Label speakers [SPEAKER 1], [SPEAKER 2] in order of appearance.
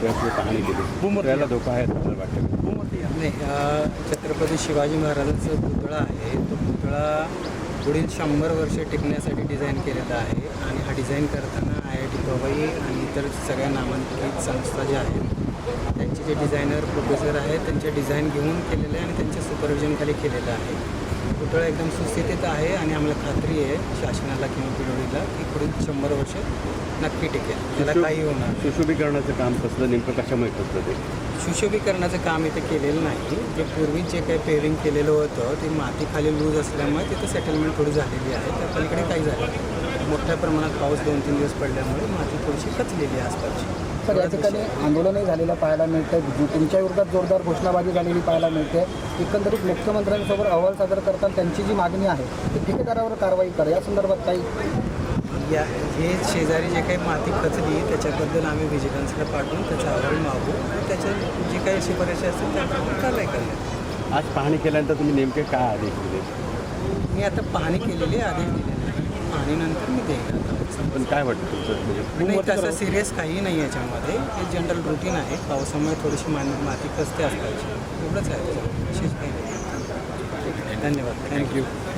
[SPEAKER 1] पुतळ्याची पाहणी केली, त्याला धोका आहे असं वाटतं?
[SPEAKER 2] नाही, छत्रपती शिवाजी महाराजांचा पुतळा आहे. तो पुतळा पुढील 100 वर्ष टिकण्यासाठी डिझाईन केलेला आहे आणि हा डिझाईन करताना IIT पवई आणि इतर सगळ्या नामांकित संस्था ज्या आहेत त्यांचे जे डिझायनर प्रोफेसर आहेत त्यांचे डिझाईन घेऊन केलेलं आहे आणि त्यांच्या सुपरविजनखाली केलेलं आहे. पुतळा एकदम सुस्थितीत आहे आणि आम्हाला खात्री आहे शासनाला किंवा पिढीला की पुढील 100 वर्ष नक्की टिकेल, त्याला काही होणार नाही.
[SPEAKER 1] सुशोभीकरणाचं काम कसलं, नेमकं कशामुळे कसलं ते?
[SPEAKER 2] सुशोभीकरणाचं काम इथे केलेलं नाही. जे पूर्वी जे काही पेरिंग केलेलं होतं ते माती खाली लूज असल्यामुळे तिथं सेटलमेंट थोडी झालेली आहे. त्या पलीकडे काही झालं नाही. मोठ्या प्रमाणात पाऊस 2-3 दिवस पडल्यामुळे माती थोडीशी खचलेली आहे आसपासची.
[SPEAKER 3] तर या ठिकाणी आंदोलनही झालेलं पाहायला मिळतं. तुमच्या विरोधात जोरदार घोषणाबाजी झालेली पाहायला मिळते. एकंदरीत मुख्यमंत्र्यांसोबत अहवाल सादर करताना त्यांची जी मागणी आहे ती ठेकेदारावर कारवाई करा, या संदर्भात काही
[SPEAKER 2] हे शेजारी जे काही माती खचली त्याच्याबद्दल आम्ही व्हिजिलन्सला पाठवून त्याचा अहवाल मागू आणि त्याच्या जे काही शिफारशी असतील त्याप्रमाणे कारवाई करण्यात.
[SPEAKER 1] आज पाहणी केल्यानंतर तुम्ही नेमके काय आदेश दिले?
[SPEAKER 2] मी आता पाहणी केलेली आदेश दिलेले आहे. पाहणीनंतर मी देईन आता.
[SPEAKER 1] पण काय वाटतं तुमचं?
[SPEAKER 2] नाही, तसं सिरियस काही नाही याच्यामध्ये. हे जनरल रुटीन आहे. पावसामुळे थोडीशी माती खचते असल्याची एवढंच आहे त्याच्यामध्ये, विशेष काही नाही. धन्यवाद. थँक्यू.